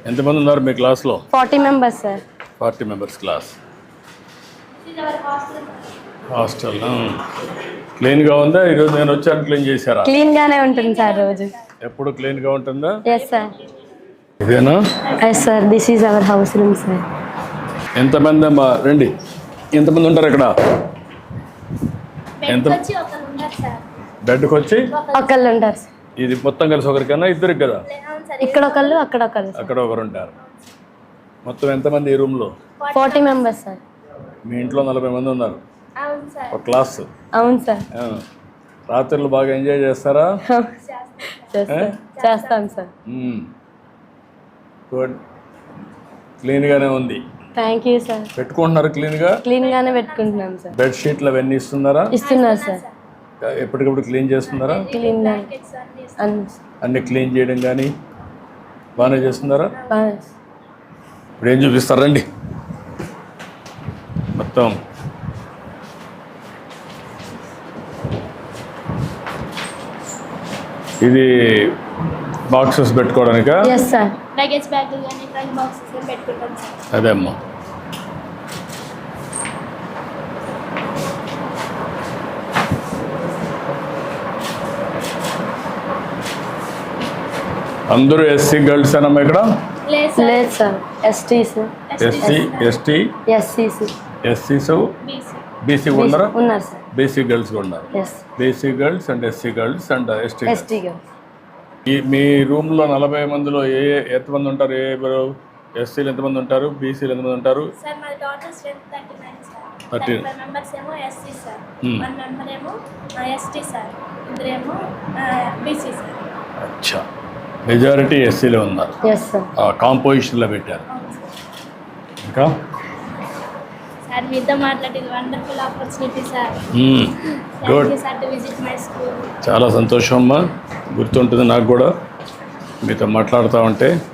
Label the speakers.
Speaker 1: ఎంతమంది ఉన్నారు మీ క్లాస్లో?
Speaker 2: 40 members సార్.
Speaker 1: 40 మెంబర్స్ క్లాస్. హాస్టల్ క్లీన్గా ఉందా? ఈరోజు నేను వచ్చాను, క్లీన్ చేశారా?
Speaker 2: క్లీన్గానే ఉంటుంది సార్ రోజు.
Speaker 1: ఎప్పుడు క్లీన్గా ఉంటుందా?
Speaker 2: Yes sir.
Speaker 1: ఇదేనా?
Speaker 2: Yes sir, this is our house room sir.
Speaker 1: ఎంతమంది అమ్మా? రండి. ఎంతమంది ఉంటారు ఇక్కడ? ఎంత? బెడ్కి వచ్చి
Speaker 2: ఒకళ్ళు ఉంటారు సార్.
Speaker 1: ఇది మొత్తం కలిసి ఒకరికన్నా ఇద్దరికి కదా?
Speaker 2: ఇక్కడ ఒకళ్ళు, అక్కడ ఒకళ్ళు.
Speaker 1: అక్కడ ఒకరు ఉంటారు. మొత్తం ఎంతమంది ఈ రూమ్లో?
Speaker 2: 40 members సార్.
Speaker 1: మీ ఇంట్లో 40 మంది ఉన్నారు. ఒక క్లాస్.
Speaker 2: అవును సార్.
Speaker 1: రాత్రులు బాగా ఎంజాయ్ చేస్తారా?
Speaker 2: చేస్తాం సార్.
Speaker 1: గుడ్. క్లీన్గానే ఉంది.
Speaker 2: Thank you sir.
Speaker 1: పెట్టుకుంటున్నారు క్లీన్గా?
Speaker 2: క్లీన్గానే పెట్టుకుంటున్నాం సార్.
Speaker 1: బెడ్ షీట్లు అవన్నీ ఇస్తున్నారా?
Speaker 2: ఇస్తున్నారు సార్.
Speaker 1: ఎప్పటికప్పుడు క్లీన్ చేస్తున్నారా?
Speaker 2: క్లీన్గా
Speaker 1: అన్ని క్లీన్ చేయడం కానీ బాగానే చేస్తున్నారా?
Speaker 2: బాగా.
Speaker 1: ఇప్పుడు ఏం చూపిస్తారండి మొత్తం? ఇది బాక్సెస్ పెట్టుకోవడానికా?
Speaker 2: Yes sir.
Speaker 3: లగేజ్ బ్యాగ్ కానీ ట్రంక్ బాక్సెస్ కానీ పెట్టుకుంటాం సార్.
Speaker 1: అదే అమ్మా. అందరూ ఎస్సీ గర్ల్స్ అన్నమ్మా ఇక్కడ?
Speaker 2: లేదు సార్. ఎస్టీస్,
Speaker 1: ఎస్సీ, ఎస్టీ, ఎస్సీస్, బీసీ ఉన్నారా?
Speaker 2: ఉన్నారు సార్.
Speaker 1: బీసీ గర్ల్స్ కూడా ఉన్నారు.
Speaker 2: Yes.
Speaker 1: BC girls and SC girls and ST.
Speaker 2: ST girls.
Speaker 1: మీ రూమ్లో 40 మందిలో ఎంతమంది ఉంటారు? ఎస్సీలు ఎంతమంది ఉంటారు? బీసీలు ఎంతమంది ఉంటారు?
Speaker 3: సార్ మా టోటల్ స్ట్రెంత్ 39 సార్.
Speaker 1: 39
Speaker 3: మెంబర్స్ ఏమో ఎస్సీ సార్, 1 మెంబర్ ఏమో ఎస్టీ సార్, ఇద్దరేమో బీసీ సార్.
Speaker 1: అచ్చా, మెజారిటీ ఎస్సీలో ఉన్నారు.
Speaker 2: Yes sir.
Speaker 1: కాంపోజిషన్లో పెట్టారు. ఇంకా
Speaker 3: సార్ మీతో మాట్లాడేది wonderful opportunity sir.
Speaker 1: Good.
Speaker 3: Sir to visit my school.
Speaker 1: చాలా సంతోషం అమ్మా. గుర్తుంటుంది నాకు కూడా మీతో మాట్లాడుతూ ఉంటే.